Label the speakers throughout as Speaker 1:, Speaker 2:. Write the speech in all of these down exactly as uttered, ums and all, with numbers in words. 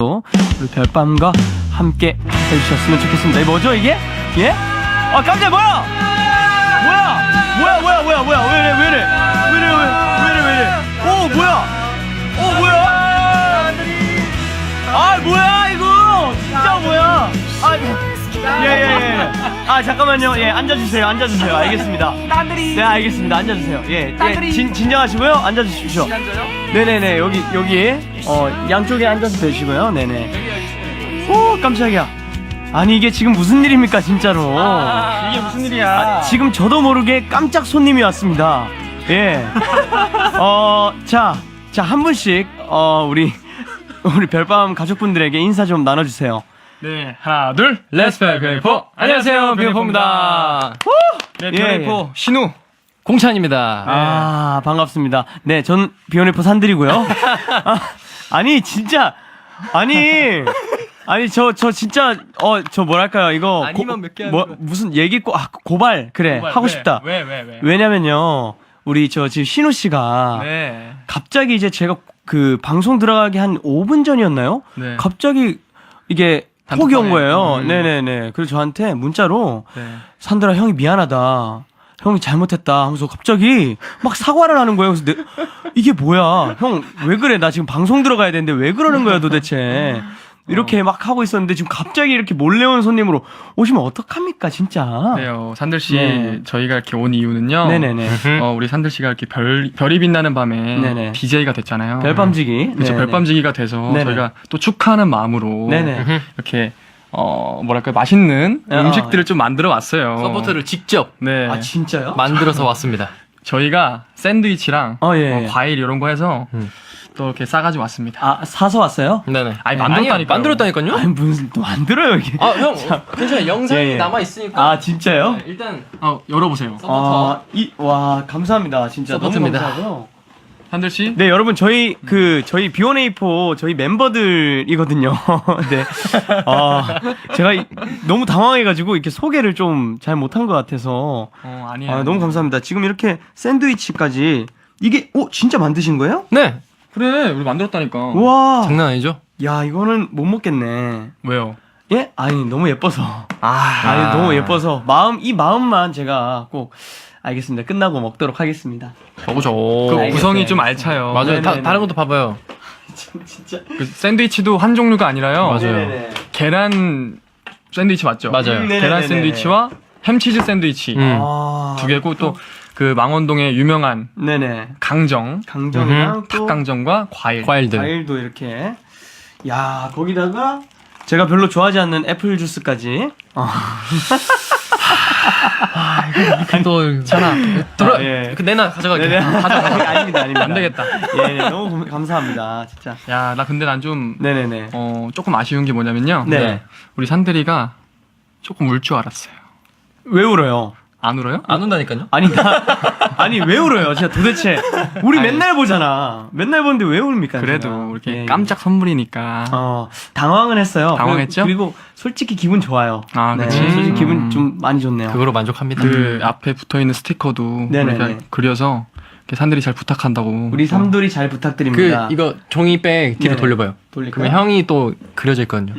Speaker 1: 우리 별밤과 함께 해주셨으면 좋겠습니다. 이 뭐죠 이게? 예? 아 깜짝 뭐야? 뭐야? 뭐야 뭐야 뭐야 뭐야 왜이래 왜이래 왜이래 왜이래 왜이래 오 뭐야? 오 뭐야? 아 뭐야 이거 진짜 뭐야? 아예예예 예, 예. 아 잠깐만요. 예 앉아주세요 앉아주세요. 알겠습니다. 네 알겠습니다. 앉아주세요. 예, 예 진, 진정하시고요. 앉아주십시오. 네네네 여기 여기 어 양쪽에 앉아서 되시고요. 네네. 오 깜짝이야. 아니 이게 지금 무슨 일입니까 진짜로?
Speaker 2: 아, 이게 무슨 일이야?
Speaker 1: 아, 지금 저도 모르게 깜짝 손님이 왔습니다. 예. 어 자 자 한 분씩 어 우리 우리 별밤 가족분들에게 인사 좀 나눠주세요.
Speaker 2: 네, 하나, 둘,
Speaker 3: 렛츠페 비오네이포. 안녕하세요, 비오네이포입니다.
Speaker 2: 네,
Speaker 1: 예,
Speaker 2: 비오네이포
Speaker 1: 예.
Speaker 2: 신우.
Speaker 3: 공찬입니다.
Speaker 1: 아 반갑습니다. 네, 전 비오네이포 산들이고요. 아, 아니 진짜 아니 아니 저 저 진짜 어 저 뭐랄까요 이거
Speaker 3: 아니면 몇 개 하는
Speaker 1: 뭐
Speaker 3: 거야.
Speaker 1: 무슨 얘기 고 아, 고발 그래
Speaker 2: 고발,
Speaker 1: 하고
Speaker 2: 왜,
Speaker 1: 싶다.
Speaker 2: 왜, 왜, 왜?
Speaker 1: 왜냐면요 우리 저 지금 신우 씨가
Speaker 2: 네.
Speaker 1: 갑자기 이제 제가 그 방송 들어가기 한 오 분 전이었나요?
Speaker 2: 네.
Speaker 1: 갑자기 이게 톡이 온
Speaker 2: 단톡방에.
Speaker 1: 거예요.
Speaker 2: 음.
Speaker 1: 네네네. 그래서 저한테 문자로
Speaker 2: 네.
Speaker 1: 산들아 형이 미안하다. 형이 잘못했다 하면서 갑자기 막 사과를 하는 거예요. 그래서 내, 이게 뭐야? 형 왜 그래? 나 지금 방송 들어가야 되는데 왜 그러는 거야 도대체? 이렇게 막 하고 있었는데 지금 갑자기 이렇게 몰래 온 손님으로 오시면 어떡합니까 진짜?
Speaker 2: 네요. 산들 씨,
Speaker 1: 네.
Speaker 2: 저희가 이렇게 온 이유는요.
Speaker 1: 네네네.
Speaker 2: 어, 우리 산들 씨가 이렇게 별 별이 빛나는 밤에
Speaker 1: 네네.
Speaker 2: 디제이가 됐잖아요.
Speaker 1: 별밤지기.
Speaker 2: 그렇죠.
Speaker 1: 네네.
Speaker 2: 별밤지기가 돼서
Speaker 1: 네네.
Speaker 2: 저희가 또 축하하는 마음으로
Speaker 1: 네네.
Speaker 2: 이렇게 어 뭐랄까 맛있는
Speaker 1: 어.
Speaker 2: 음식들을 좀 만들어 왔어요.
Speaker 3: 서포트를 직접
Speaker 2: 네.
Speaker 1: 아 진짜요?
Speaker 3: 만들어서 왔습니다.
Speaker 2: 저희가 샌드위치랑
Speaker 1: 어, 예,
Speaker 2: 어,
Speaker 1: 예.
Speaker 2: 과일 이런 거 해서
Speaker 3: 음.
Speaker 2: 또 이렇게 싸가지고 왔습니다.
Speaker 1: 아 사서 왔어요?
Speaker 3: 네네.
Speaker 2: 아니,
Speaker 3: 네.
Speaker 2: 만들었다니까요.
Speaker 3: 아니요, 만들었다니까요?
Speaker 1: 아니 무슨 또 만들어요 이게?
Speaker 3: 아, 형, 괜찮아요. 영상이
Speaker 1: 예, 예.
Speaker 3: 남아 있으니까.
Speaker 1: 아 진짜요?
Speaker 3: 네, 일단
Speaker 2: 어, 열어보세요.
Speaker 3: 서포터.
Speaker 1: 아이와 감사합니다 진짜
Speaker 3: 서포트입니다.
Speaker 1: 너무 감사하고요.
Speaker 2: 산들 씨.
Speaker 1: 네 여러분 저희 그 저희 비오네이포 저희 멤버들이거든요. 네. 아 제가 이- 너무 당황해가지고 이렇게 소개를 좀 잘 못한 것 같아서
Speaker 2: 어 아니에요.
Speaker 1: 아 너무 감사합니다. 지금 이렇게 샌드위치까지 이게 어 진짜 만드신 거예요?
Speaker 3: 네.
Speaker 2: 그래 우리 만들었다니까.
Speaker 1: 와.
Speaker 3: 장난 아니죠?
Speaker 1: 야 이거는 못 먹겠네.
Speaker 2: 왜요?
Speaker 1: 예? 아니 너무 예뻐서.
Speaker 2: 아,
Speaker 1: 아니 너무 예뻐서 마음 이 마음만 제가 꼭 알겠습니다. 끝나고 먹도록 하겠습니다.
Speaker 3: 저거죠.
Speaker 2: 그
Speaker 1: 알겠어요,
Speaker 2: 구성이 좀
Speaker 1: 알겠어요.
Speaker 2: 알차요.
Speaker 3: 맞아요. 다,
Speaker 1: 네네네.
Speaker 3: 다른 것도 봐봐요.
Speaker 1: 진짜.
Speaker 2: 그 샌드위치도 한 종류가 아니라요.
Speaker 3: 맞아요.
Speaker 1: 네네네.
Speaker 2: 계란 샌드위치 맞죠?
Speaker 3: 맞아요.
Speaker 1: 음,
Speaker 2: 계란
Speaker 1: 네네네네.
Speaker 2: 샌드위치와 햄치즈 샌드위치
Speaker 3: 음.
Speaker 1: 아,
Speaker 2: 두 개고 또 그 망원동의 유명한
Speaker 1: 네네.
Speaker 2: 강정,
Speaker 1: 강정이랑 또
Speaker 2: 닭강정과 과일.
Speaker 3: 과일들.
Speaker 1: 과일도 이렇게. 야 거기다가 제가 별로 좋아하지 않는 애플 주스까지. 어.
Speaker 3: 또 전화. 들어.
Speaker 1: 아, 예.
Speaker 3: 그 내놔 가져갈게.
Speaker 1: 네네. 아닙니다, 아닙니다.
Speaker 2: 안 되겠다.
Speaker 1: 예, 네, 너무 감- 감사합니다, 진짜.
Speaker 2: 야, 나 근데 난 좀
Speaker 1: 네네네.
Speaker 2: 어, 조금 아쉬운 게 뭐냐면요.
Speaker 1: 네.
Speaker 2: 우리 산들이가 조금 울 줄 알았어요.
Speaker 1: 왜 울어요?
Speaker 2: 안 울어요?
Speaker 3: 안 온다니까요?
Speaker 1: 아니 나 아니 왜 울어요? 진짜 도대체 우리
Speaker 2: 아니.
Speaker 1: 맨날 보잖아. 맨날 보는데 왜 울입니까?
Speaker 2: 그래도
Speaker 1: 제가?
Speaker 2: 이렇게
Speaker 1: 예.
Speaker 2: 깜짝 선물이니까.
Speaker 1: 어 당황은 했어요.
Speaker 2: 당황했죠?
Speaker 1: 그리고, 그리고 솔직히 기분 좋아요.
Speaker 2: 아,
Speaker 1: 네,
Speaker 2: 그치.
Speaker 1: 솔직히
Speaker 2: 음.
Speaker 1: 기분 좀 많이 좋네요.
Speaker 3: 그거로 만족합니다.
Speaker 2: 그 앞에 붙어 있는 스티커도
Speaker 1: 네네네.
Speaker 2: 우리가 그려서 이렇게 산들이 잘 부탁한다고.
Speaker 1: 우리 삼돌이 잘
Speaker 3: 그
Speaker 1: 부탁드립니다.
Speaker 3: 이거 종이백 뒤로
Speaker 1: 네네.
Speaker 3: 돌려봐요.
Speaker 1: 돌릴까요?
Speaker 3: 그러면 형이 또 그려져 있거든요.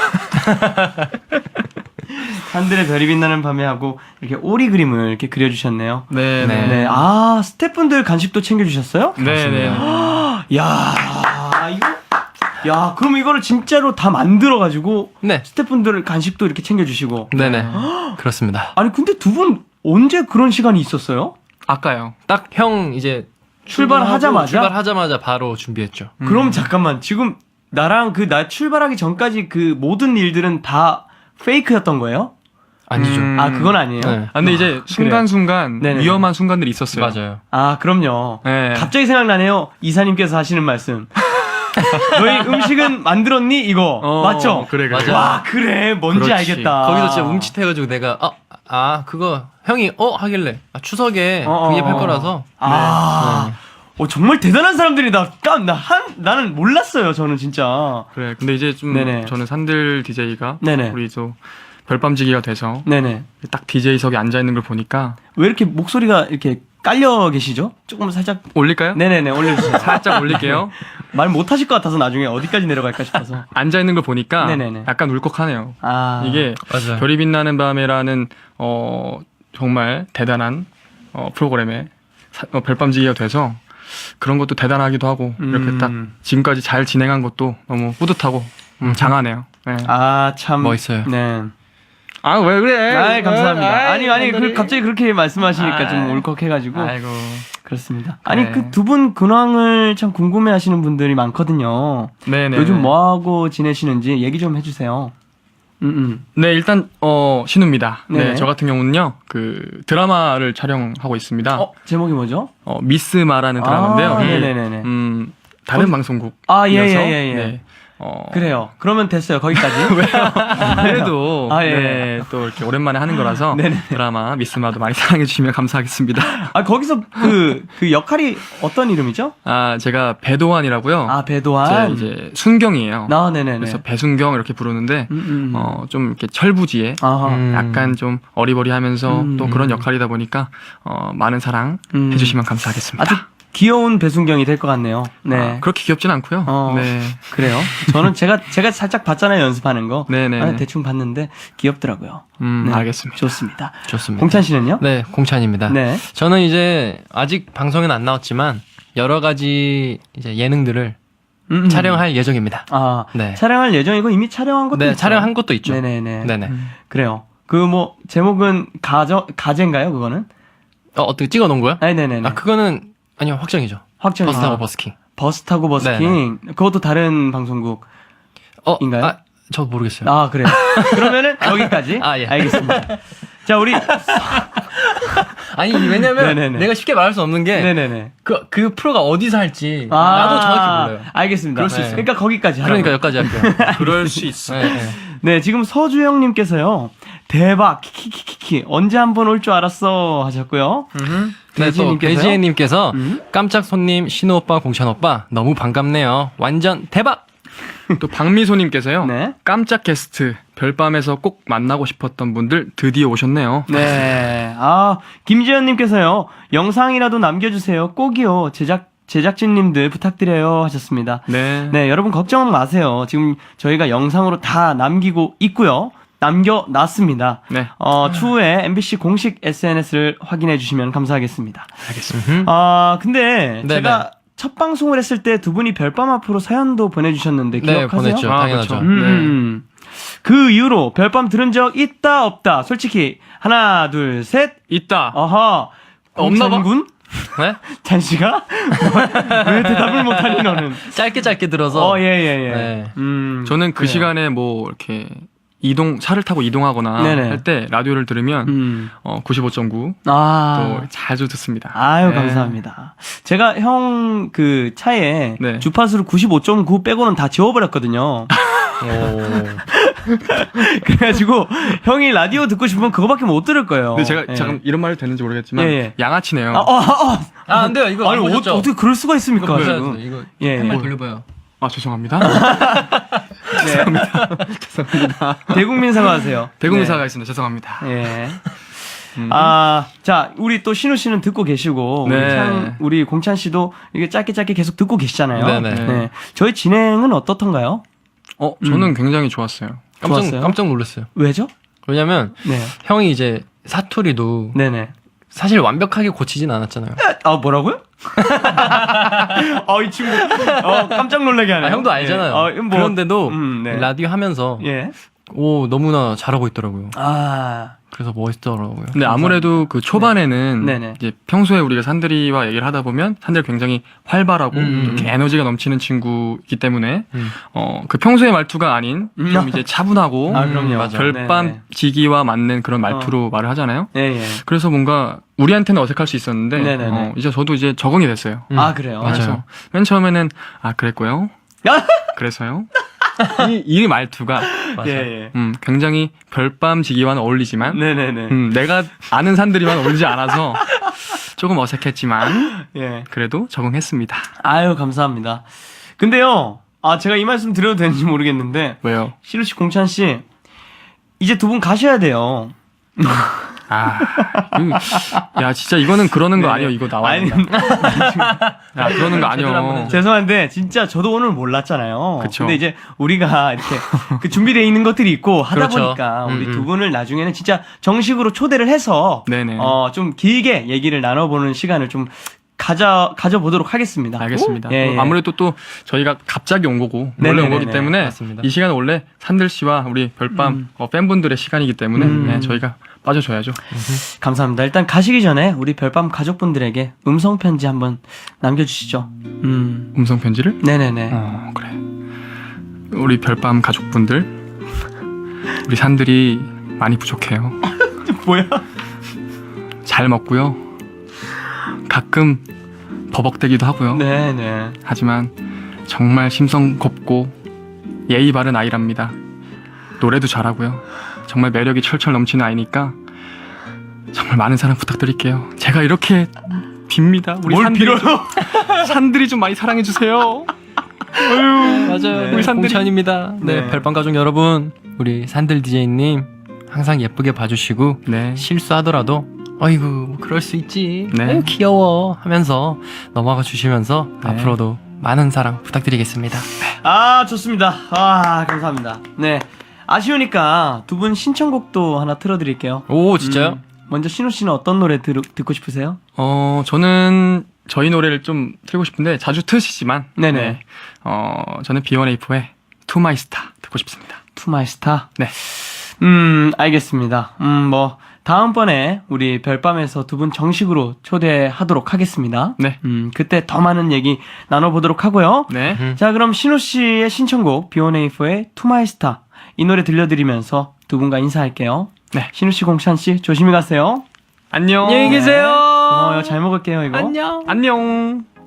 Speaker 1: 산들의 별이 빛나는 밤에 하고 이렇게 오리 그림을 이렇게 그려주셨네요.
Speaker 2: 네,
Speaker 3: 네.
Speaker 2: 네.
Speaker 1: 네, 아 스태프분들 간식도 챙겨주셨어요?
Speaker 2: 네, 네.
Speaker 1: 야 이거 야 그럼 이거를 진짜로 다 만들어가지고
Speaker 3: 네.
Speaker 1: 스태프분들 간식도 이렇게 챙겨주시고.
Speaker 3: 네네. 그렇습니다.
Speaker 1: 아니 근데 두 분 언제 그런 시간이 있었어요?
Speaker 2: 아까요.
Speaker 3: 딱 형 이제
Speaker 1: 출발하자마자?
Speaker 3: 출발하자마자 바로 준비했죠.
Speaker 2: 음.
Speaker 1: 그럼 잠깐만 지금 나랑 그 나 출발하기 전까지 그 모든 일들은 다 페이크였던 거예요?
Speaker 3: 아니죠.
Speaker 2: 음.
Speaker 1: 아 그건 아니에요.
Speaker 3: 네.
Speaker 2: 아, 근데 이제 순간순간
Speaker 1: 네네.
Speaker 2: 위험한 순간들이 있었어요.
Speaker 3: 맞아요.
Speaker 1: 아 그럼요.
Speaker 2: 네.
Speaker 1: 갑자기 생각나네요. 이사님께서 하시는 말씀. 너희 음식은 만들었니? 이거
Speaker 2: 어,
Speaker 1: 맞죠?
Speaker 2: 그래, 그래.
Speaker 3: 맞아.
Speaker 1: 와 그래 뭔지
Speaker 2: 그렇지.
Speaker 1: 알겠다.
Speaker 3: 거기서 진짜 움찔해가지고 내가 아, 아 그거 형이 어 하길래 아, 추석에
Speaker 1: 어,
Speaker 3: 구입할
Speaker 1: 어, 어.
Speaker 3: 거라서
Speaker 1: 아, 어, 정말 대단한 사람들이다. 깜, 나, 한, 나는 몰랐어요, 저는 진짜.
Speaker 2: 그래. 근데 이제 좀
Speaker 1: 네네.
Speaker 2: 저는 산들 디제이가
Speaker 1: 네네.
Speaker 2: 우리 또 별밤지기가 돼서
Speaker 1: 네네.
Speaker 2: 딱 디제이석에 앉아 있는 걸 보니까
Speaker 1: 왜 이렇게 목소리가 이렇게 깔려 계시죠? 조금 살짝.
Speaker 2: 올릴까요?
Speaker 1: 네네네, 올려주세요.
Speaker 2: 살짝 올릴게요.
Speaker 1: 말 못하실 것 같아서 나중에 어디까지 내려갈까 싶어서.
Speaker 2: 앉아 있는 걸 보니까
Speaker 1: 네네네.
Speaker 2: 약간 울컥하네요.
Speaker 1: 아
Speaker 2: 이게
Speaker 3: 맞아요.
Speaker 2: 별이 빛나는 밤에라는 어 정말 대단한 어 프로그램에 사- 어, 별밤지기가 돼서 그런 것도 대단하기도 하고 이렇게
Speaker 1: 음.
Speaker 2: 딱 지금까지 잘 진행한 것도 너무 뿌듯하고 음, 장하네요. 네.
Speaker 1: 아, 참
Speaker 3: 멋있어요.
Speaker 1: 네.
Speaker 2: 아 왜 그래?
Speaker 1: 아, 감사합니다.
Speaker 2: 아이,
Speaker 1: 아니 아니 그,
Speaker 2: 팬들이.
Speaker 1: 갑자기 그렇게 말씀하시니까 좀
Speaker 2: 아이.
Speaker 1: 울컥해가지고
Speaker 2: 아이고.
Speaker 1: 그렇습니다. 아니
Speaker 2: 그래.
Speaker 1: 그 두 분 근황을 참 궁금해하시는 분들이 많거든요.
Speaker 2: 네네.
Speaker 1: 요즘 뭐 하고 지내시는지 얘기 좀 해주세요. 음, 음.
Speaker 2: 네 일단 어 신우입니다.
Speaker 1: 네네.
Speaker 2: 네, 저 같은 경우는요 그 드라마를 촬영하고 있습니다.
Speaker 1: 어 제목이 뭐죠?
Speaker 2: 어, 미스마라는 드라마인데요.
Speaker 1: 아,
Speaker 2: 이게,
Speaker 1: 네네네네.
Speaker 2: 음 다른
Speaker 1: 거기-
Speaker 2: 방송국.
Speaker 1: 아, 예, 예, 예, 예.
Speaker 2: 네. 어,
Speaker 1: 그래요. 그러면 됐어요. 거기까지.
Speaker 2: 그래도
Speaker 1: 아, 예.
Speaker 2: 네, 또 이렇게 오랜만에 하는 거라서
Speaker 1: 네네.
Speaker 2: 드라마 미스마도 많이 사랑해 주시면 감사하겠습니다.
Speaker 1: 아 거기서 그, 그 역할이 어떤 이름이죠?
Speaker 2: 아 제가 배도환이라고요.
Speaker 1: 아
Speaker 2: 제
Speaker 1: 배도환.
Speaker 2: 이제 순경이에요.
Speaker 1: 아 네네네.
Speaker 2: 그래서 배순경 이렇게 부르는데
Speaker 1: 음, 음.
Speaker 2: 어, 좀 이렇게 철부지에
Speaker 1: 아하.
Speaker 3: 음.
Speaker 2: 약간 좀 어리버리하면서
Speaker 1: 음.
Speaker 2: 또 그런 역할이다 보니까 어, 많은 사랑
Speaker 1: 음.
Speaker 2: 해주시면 감사하겠습니다.
Speaker 1: 아주 귀여운 배순경이 될 것 같네요. 네.
Speaker 2: 아, 그렇게 귀엽진 않고요.
Speaker 1: 어.
Speaker 2: 네.
Speaker 1: 그래요. 저는 제가 제가 살짝 봤잖아요 연습하는 거.
Speaker 2: 네네.
Speaker 1: 아, 대충 봤는데 귀엽더라고요.
Speaker 2: 음,
Speaker 1: 네.
Speaker 2: 알겠습니다.
Speaker 1: 좋습니다.
Speaker 3: 좋습니다.
Speaker 1: 공찬 씨는요?
Speaker 3: 네, 공찬입니다.
Speaker 1: 네.
Speaker 3: 저는 이제 아직 방송에는 안 나왔지만 여러 가지 이제 예능들을
Speaker 1: 음, 음.
Speaker 3: 촬영할 예정입니다.
Speaker 1: 아
Speaker 3: 네.
Speaker 1: 촬영할 예정이고 이미 촬영한 것도
Speaker 3: 네,
Speaker 1: 있죠.
Speaker 3: 촬영한 것도 있죠.
Speaker 1: 네네네.
Speaker 3: 네네.
Speaker 1: 그래요. 그 뭐 제목은 가저 가제인가요 그거는?
Speaker 3: 어, 어떻게 찍어 놓은 거야?
Speaker 1: 아니 네네네.
Speaker 3: 아, 그거는 아니요, 확정이죠.
Speaker 1: 확정.
Speaker 3: 버스 타고
Speaker 1: 아,
Speaker 3: 버스킹.
Speaker 1: 버스 타고 버스킹. 그것도 다른 방송국.
Speaker 3: 어,
Speaker 1: 인가요?
Speaker 3: 아, 저 모르겠어요.
Speaker 1: 아 그래요. 그러면은 여기까지.
Speaker 3: 아, 예.
Speaker 1: 알겠습니다. 자 우리
Speaker 3: 아니, 왜냐면
Speaker 1: 네네네.
Speaker 3: 내가 쉽게 말할 수 없는 게
Speaker 1: 네네네.
Speaker 3: 그, 그 프로가 어디서 할지
Speaker 1: 아,
Speaker 3: 나도 정확히 몰라요.
Speaker 1: 알겠습니다.
Speaker 3: 그럴 수 있어요.
Speaker 1: 그러니까 거기까지 하라고.
Speaker 3: 그러니까 여기까지 할게요.
Speaker 2: 그럴 수 있어.
Speaker 3: 네, 네.
Speaker 1: 네, 지금 서주영님께서요. 대박, 키키키키키. 언제 한번 올 줄 알았어 하셨고요.
Speaker 3: 네, 또
Speaker 1: 배지혜님께서요?
Speaker 3: 배지혜님께서
Speaker 1: 음.
Speaker 3: 깜짝 손님 신우 오빠, 공찬 오빠 너무 반갑네요. 완전 대박.
Speaker 2: 또 박미소님께서요.
Speaker 1: 네.
Speaker 2: 깜짝 게스트 별밤에서 꼭 만나고 싶었던 분들 드디어 오셨네요.
Speaker 1: 네. 아, 김지현님께서요. 영상이라도 남겨주세요. 꼭이요. 제작, 제작진님들 부탁드려요 하셨습니다.
Speaker 2: 네.
Speaker 1: 네, 여러분 걱정 마세요. 지금 저희가 영상으로 다 남기고 있고요. 남겨놨습니다.
Speaker 2: 네.
Speaker 1: 어, 추후에 엠비씨 공식 에스엔에스를 확인해 주시면 감사하겠습니다.
Speaker 2: 알겠습니다.
Speaker 1: 아, 근데
Speaker 3: 네네.
Speaker 1: 제가 첫 방송을 했을 때 두 분이 별밤 앞으로 사연도 보내주셨는데
Speaker 3: 네,
Speaker 1: 기억하세요?
Speaker 3: 보냈죠.
Speaker 2: 아,
Speaker 3: 당연하죠.
Speaker 2: 그렇죠.
Speaker 1: 음. 그 이후로 별밤 들은 적 있다 없다. 솔직히 하나 둘 셋.
Speaker 2: 있다.
Speaker 1: 어허.
Speaker 3: 없나 봐.
Speaker 1: 공찬군?
Speaker 3: 네?
Speaker 1: 잔씨가? 왜 대답을 못하니 너는?
Speaker 3: 짧게 짧게 들어서.
Speaker 1: 어, 예, 예, 예.
Speaker 3: 네.
Speaker 1: 음,
Speaker 2: 저는 그
Speaker 1: 그래요.
Speaker 2: 시간에 뭐 이렇게 이동 차를 타고 이동하거나
Speaker 1: 네네.
Speaker 2: 할 때 라디오를 들으면
Speaker 1: 음.
Speaker 2: 어, 구십오 점 구
Speaker 1: 아.
Speaker 2: 또 자주 듣습니다.
Speaker 1: 아유,
Speaker 2: 네.
Speaker 1: 감사합니다. 제가 형 그 차에
Speaker 2: 네.
Speaker 1: 주파수를 구십오 점 구 빼고는 다 지워버렸거든요. 그래가지고 형이 라디오 듣고 싶으면 그거밖에 못 들을 거예요.
Speaker 2: 근데 제가
Speaker 1: 예.
Speaker 2: 잠깐 이런 말이 되는지 모르겠지만
Speaker 1: 예, 예.
Speaker 2: 양아치네요.
Speaker 1: 아, 어, 어, 어.
Speaker 3: 아, 안 돼요. 이거
Speaker 1: 아니
Speaker 3: 안
Speaker 1: 어,
Speaker 3: 보셨죠?
Speaker 1: 어떻게 그럴 수가 있습니까?
Speaker 3: 이거 보셔야
Speaker 1: 지금.
Speaker 3: 돼요. 이거
Speaker 1: 예,
Speaker 3: 한번
Speaker 1: 예.
Speaker 3: 돌려봐요.
Speaker 2: 아 죄송합니다.
Speaker 1: 네. 대국민 사과하세요.
Speaker 2: 대국민사가 있습니다. 죄송합니다.
Speaker 1: 네. 예.
Speaker 2: 음.
Speaker 1: 아, 자, 우리 또 신우 씨는 듣고 계시고, 우리,
Speaker 2: 네.
Speaker 1: 찬- 우리 공찬 씨도 이게 짧게 짧게 계속 듣고 계시잖아요.
Speaker 3: 네네.
Speaker 1: 네. 저희 진행은 어떻던가요?
Speaker 2: 어 저는 굉장히 좋았어요.
Speaker 3: 깜짝
Speaker 1: 좋았어요?
Speaker 3: 깜짝 놀랐어요.
Speaker 1: 왜죠?
Speaker 3: 왜냐면
Speaker 1: 네.
Speaker 3: 형이 이제 사투리도
Speaker 1: 네네.
Speaker 3: 사실 완벽하게 고치진 않았잖아요.
Speaker 1: 아, 뭐라고요? 어, 이 친구, 어, 깜짝 놀라게 하네.
Speaker 3: 아, 형도 알잖아요.
Speaker 1: 어, 뭐,
Speaker 3: 그런데도
Speaker 1: 음, 네.
Speaker 3: 라디오 하면서
Speaker 1: 예.
Speaker 3: 오 너무나 잘하고 있더라고요.
Speaker 1: 아,
Speaker 3: 그래서 멋있더라고요.
Speaker 2: 근데 아무래도 그 초반에는
Speaker 1: 네. 네네.
Speaker 2: 이제 평소에 우리가 산들이와 얘기를 하다 보면 산들이 굉장히 활발하고
Speaker 3: 음,
Speaker 2: 또 이렇게 에너지가 넘치는 친구이기 때문에
Speaker 3: 음.
Speaker 2: 어 그 평소의 말투가 아닌
Speaker 1: 음.
Speaker 2: 좀 이제 차분하고
Speaker 1: 아, 그럼요.
Speaker 3: 맞아.
Speaker 2: 별밤
Speaker 1: 네네.
Speaker 2: 지기와 맞는 그런 말투로 말을 하잖아요.
Speaker 1: 예, 예.
Speaker 2: 그래서 뭔가 우리한테는 어색할 수 있었는데
Speaker 1: 네네네.
Speaker 2: 어, 이제 저도 이제 적응이 됐어요.
Speaker 3: 음.
Speaker 1: 아, 그래요?
Speaker 3: 맞아요.
Speaker 2: 그래서 맨 처음에는 아 그랬고요.
Speaker 1: 아!
Speaker 2: 그래서요. 이, 이 말투가
Speaker 3: 맞아요.
Speaker 1: 예, 예.
Speaker 2: 음, 굉장히 별밤 지기와는 어울리지만
Speaker 1: 네네네.
Speaker 2: 음, 내가 아는 산들이만 어울리지 않아서 조금 어색했지만
Speaker 1: 예.
Speaker 2: 그래도 적응했습니다.
Speaker 1: 아유, 감사합니다. 근데요, 아, 제가 이 말씀 드려도 되는지 모르겠는데,
Speaker 2: 왜요?
Speaker 1: 시루 씨, 공찬 씨, 이제 두 분 가셔야 돼요.
Speaker 2: 아, 이거- 야 진짜 이거는 그러는 거
Speaker 1: 네네.
Speaker 2: 아니에요. 이거 나와야
Speaker 1: 아니,
Speaker 2: 된다. 야 그러는 거
Speaker 3: 제대로 한번
Speaker 2: 아니에요.
Speaker 3: 해줘.
Speaker 1: 죄송한데 진짜 저도 오늘 몰랐잖아요.
Speaker 2: 그쵸.
Speaker 1: 근데 이제 우리가 이렇게 그 준비되어 있는 것들이 있고 하다
Speaker 3: 그렇죠.
Speaker 1: 보니까 우리
Speaker 3: 음,
Speaker 1: 두
Speaker 3: 음.
Speaker 1: 분을 나중에는 진짜 정식으로 초대를 해서
Speaker 2: 네네.
Speaker 1: 어, 좀 길게 얘기를 나눠보는 시간을 좀 가져 가져보도록 하겠습니다.
Speaker 2: 알겠습니다.
Speaker 1: 예, 예.
Speaker 2: 아무래도 또 저희가 갑자기 온 거고 원래 온 거기
Speaker 1: 네네네네.
Speaker 2: 때문에
Speaker 3: 맞습니다.
Speaker 2: 이 시간은 원래 산들 씨와 우리 별밤
Speaker 1: 음.
Speaker 2: 어, 팬분들의 시간이기 때문에
Speaker 1: 음.
Speaker 2: 네, 저희가 빠져줘야죠.
Speaker 1: 감사합니다. 일단 가시기 전에 우리 별밤 가족분들에게 음성 편지 한번 남겨주시죠. 음,
Speaker 2: 음성 편지를.
Speaker 1: 네네네.
Speaker 2: 어 그래. 우리 별밤 가족분들, 우리 산들이 많이 부족해요.
Speaker 1: 뭐야?
Speaker 2: 잘 먹고요. 가끔 버벅대기도 하고요.
Speaker 1: 네네.
Speaker 2: 하지만 정말 심성 곱고 예의 바른 아이랍니다. 노래도 잘하고요. 정말 매력이 철철 넘치는 아이니까 정말 많은 사랑 부탁드릴게요. 제가 이렇게 빕니다. 우리
Speaker 1: 뭘
Speaker 2: 산들이
Speaker 1: 빌어요?
Speaker 2: 좀, 산들이 좀 많이 사랑해 주세요.
Speaker 3: 맞아요.
Speaker 1: 네.
Speaker 3: 우리
Speaker 2: 산들이-
Speaker 3: 공찬입니다. 네,
Speaker 1: 네.
Speaker 3: 별밤 가족 여러분, 우리 산들 디제이님 항상 예쁘게 봐주시고
Speaker 2: 네.
Speaker 3: 실수하더라도 어이구 뭐 그럴 수 있지.
Speaker 2: 네.
Speaker 3: 아유, 귀여워 하면서 넘어가 주시면서
Speaker 2: 네.
Speaker 3: 앞으로도 많은 사랑 부탁드리겠습니다.
Speaker 1: 아, 좋습니다. 아, 감사합니다. 네. 아쉬우니까 두 분 신청곡도 하나 틀어드릴게요.
Speaker 3: 오 진짜요?
Speaker 1: 음, 먼저 신우 씨는 어떤 노래 들, 듣고 싶으세요?
Speaker 2: 어 저는 저희 노래를 좀 틀고 싶은데 자주 트시지만
Speaker 1: 네네.
Speaker 2: 네. 어 저는 비원에이포의 To My Star 듣고 싶습니다.
Speaker 1: To My Star.
Speaker 2: 네.
Speaker 1: 음, 알겠습니다. 음, 뭐 다음번에 우리 별밤에서 두 분 정식으로 초대하도록 하겠습니다.
Speaker 2: 네.
Speaker 1: 음, 그때 더 많은 얘기 나눠보도록 하고요.
Speaker 2: 네.
Speaker 3: 음.
Speaker 1: 자, 그럼 신우 씨의 신청곡 비원에이포의 To My Star 이 노래 들려드리면서 두 분과 인사할게요.
Speaker 2: 네.
Speaker 1: 신우 씨, 공찬 씨 조심히 가세요.
Speaker 2: 안녕.
Speaker 3: 안녕히 계세요.
Speaker 1: 고마워요. 잘 먹을게요, 이거.
Speaker 3: 안녕.
Speaker 2: 안녕.